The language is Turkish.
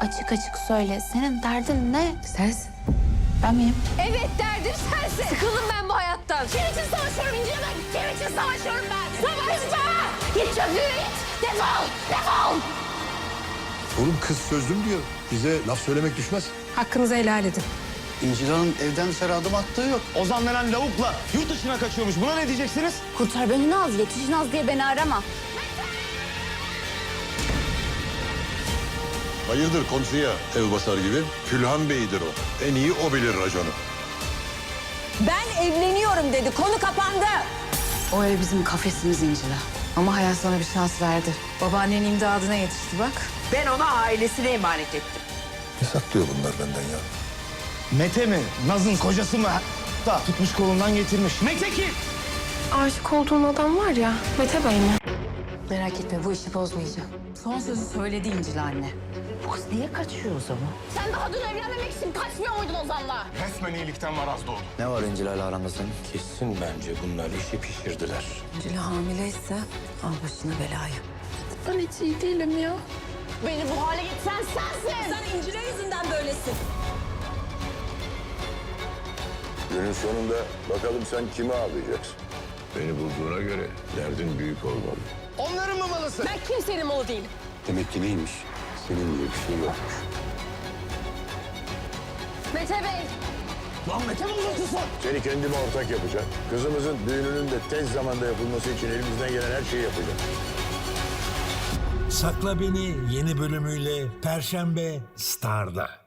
açık açık söyle. Senin derdin ne? Sensin. Ben miyim? Evet, derdim sensin. Sıkıldım ben bu hayattan. Kim için savaşıyorum İnci ben? Kim için savaşıyorum ben? Savaşma! Git çöplüğe git. Defol! Defol! Oğlum kız sözlüm diyor. Bize laf söylemek düşmez. Hakkınızı helal edin. İncil Hanım evden dışarı adım attığı yok. Ozan denen lavukla yurt dışına kaçıyormuş. Buna ne diyeceksiniz? Kurtar beni Naz, yetiş Naz diye beni arama. Hayırdır komşuya ev basar gibi? Külhan Bey'dir o. En iyi o bilir raconu. Ben evleniyorum dedi, konu kapandı. O ev bizim kafesimiz İncil'a. Ama hayat sana bir şans verdi. Babaannenin imdadına yetişti bak. Ben ona ailesine emanet ettim. Ne saklıyor bunlar benden ya? Mete mi? Naz'ın kocası mı? Da tutmuş kolundan getirmiş. Mete kim? Aşık olduğun adam var ya, Mete Bey mi? Merak etme, bu işi bozmayacağım. Son sözü söyledi İncil anne. Bu kız niye kaçıyor o zaman? Sen daha dün evlenmemek için kaçmıyor muydun Ozan'la? Resmen iyilikten maraz doğdu. Ne var İncil ile aranda senin? Kesin bence bunlar işi pişirdiler. İncil hamileyse al başına belayı. Ben hiç iyi değilim ya. Beni bu hale getiren sensin. Sen İncil'e yüzünden böylesin. Günün sonunda bakalım sen kimi ağlayacaksın? Beni bulduğuna göre derdin büyük olmalı. Onların mı malısı? Ben kimsenin malı değilim. Demek ki neymiş? Senin diye bir şey yokmuş. Mete Bey. Lan Mete bozuntusu. Seni kendime ortak yapacağım. Kızımızın düğününün de tez zamanda yapılması için elimizden gelen her şeyi yapacağım. Sakla Beni yeni bölümüyle Perşembe Star'da.